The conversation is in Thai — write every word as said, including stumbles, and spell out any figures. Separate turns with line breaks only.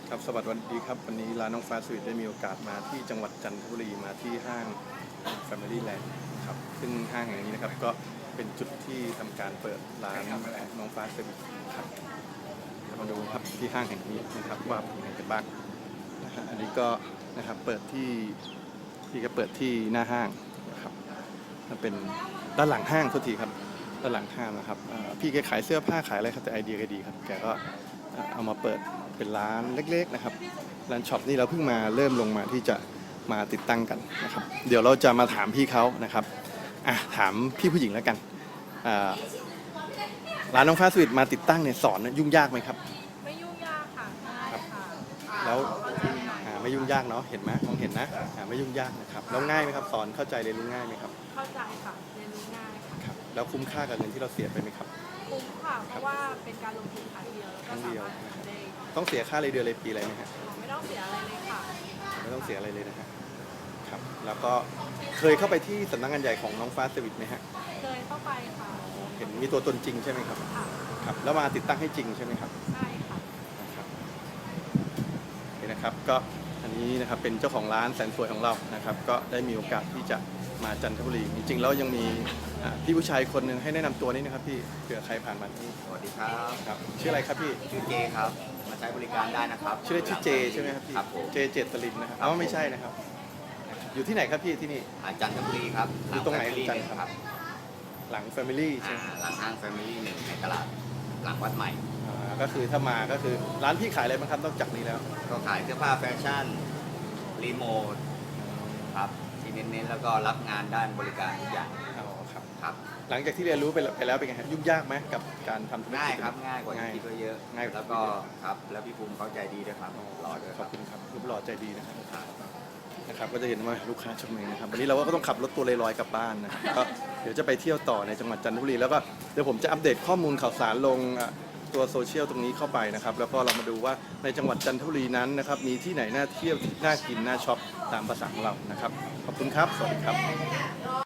ครับสวัสดีครับวันนี้ร้านน้องฟ้าสวีทได้มีโอกาสมาที่จังหวัดจันทบุรีมาที่ห้าง Family Land ครับซึ่งห้างแห่งนี้นะครับก็เป็นจุดที่ทำการเปิดร้านน้องฟ้าสวีทครับมาดูครับที่ห้างแห่งนี้นะครับว่าเป็นยังไงกันบ้างนะฮะอันนี้ก็นะครับเปิดที่ที่ก็เปิดที่หน้าห้างนะครับมันเป็นด้านหลังห้างทุกทีครับด้านหลังห้างนะครับพี่แกขายเสื้อผ้าขายอะไรครับแต่ไอเดียก็ดีครับแกก็เอามาเปิดเป็นร้านเล็กๆนะครับร้านช็อปนี่เราเพิ่งมาเริ่มลงมาที่จะมาติดตั้งกันนะครับเดี๋ยวเราจะมาถามพี่เขานะครับอ่ะถามพี่ผู้หญิงแล้วกันร้านน้องฟ้าสวีทมาติดตั้งเนี่ยสอนยุ่งยากไหมครับ
ไม่ยุ่งยากค่ะง่ายค่ะ
แล้วไม่ยุ่งยากเนาะเห็นไหมมองเห็นนะไม่ยุ่งยากนะครับแล้วง่ายไหมครับสอนเข้าใจเรียนรู้ง่ายไหมครับ
เข้าใจค่ะเรียนรู้ง่าย
ค่ะแล้วคุ้มค่ากับเงินที่เราเสียไปไหมครับ
คุ้มค่ะเพราะว่าเป็นการลงทุนครั้งเดียวแล้วก็สามารถได้
ต้องเสียค่าเลยเดือนเลยปีอะไรไหมฮะ
ไม่ต้องเสียอะไรเลยค่ะ
ไม่ต้องเสียอะไรเลยนะฮะครับแล้วก็เคยเข้าไปที่สำนักงานใหญ่ของน้องฟ้าสวิทไหมฮะ
เคยเข้าไปค่ะ
เห็นมีตัวตนจริงใช่ไหมครับครับแล้วมาติดตั้งให้จริงใช่ไหมครับ
ใช่ค่ะ
นะครับนี่นะครับก็อันนี้นะครับเป็นเจ้าของร้านแสนสวยของเรานะครับก็ได้มีโอกาสที่จะมาจันทบุรีจริงๆแล้วยังมีพี่ผู้ชายคนหนึ่งให้แนะนำตัวนี้นะครับพี่เผื่อใครผ่านมาที่
สวัสดีครับ
ครับชื่ออะไรครับพี่
ชื่อเจครับมาใช้บริการได้นะครับ
ชื่อชื่อเจใช่ไหมครับพี่เจเจตลินนะครับอ๋อไม่ใช่นะครับอยู่ที่ไหนครับพี่ที่นี่
จันทบุรีครับ
อยู่ตรงไหนจันทร์ครับหลัง Family ใช่
หลังห้าง Family หนึ่งในตลาดหลังวัดใหม่
ก็คือถ้ามาก็คือร้านพี่ขายอะไรบ้างครับนอกจากนี้แล้ว
ก็ขายเสื้อผ้าแฟชั่นรีโมทครับที่เน้นๆแล้วก็รับงานด้านบริการทุกอย่าง
อ๋อครับ
ครับ
หลังจากที่เรียนรู้ไปแล้วเป็นไงครับยุ่งยากไหมกับการทำธุรกิจ
ง่ายครับง่ายกว่าที่คิดไว้เยอะ
ง่าย
แล้วก็ครับแล้วพี่ภูมิเขาใจดีด้วยครับหล่อด้วย
ขอบคุณครับรูปหล่อใจดีนะครับนะครับก็จะเห็นว่าลูกค้าชมเองนะครับวันนี้เราก็ต้องขับรถตัวลอยๆกลับบ้านนะก็เดี๋ยวจะไปเที่ยวต่อในจังหวัดจันทบุรีแล้วก็เดี๋ยวผมจะอัปเดตข้อมูลข่าวสารลงตัวโซเชียลตรงนี้เข้าไปนะครับแล้วก็เรามาดูว่าในจังหวัดจันทบุรีนั้นนะครับมีที่ไหนน่าเที่ยวน่ากินน่าช็อปตามภาษาของเรานะครับขอบคุณครับสวัสดีครับ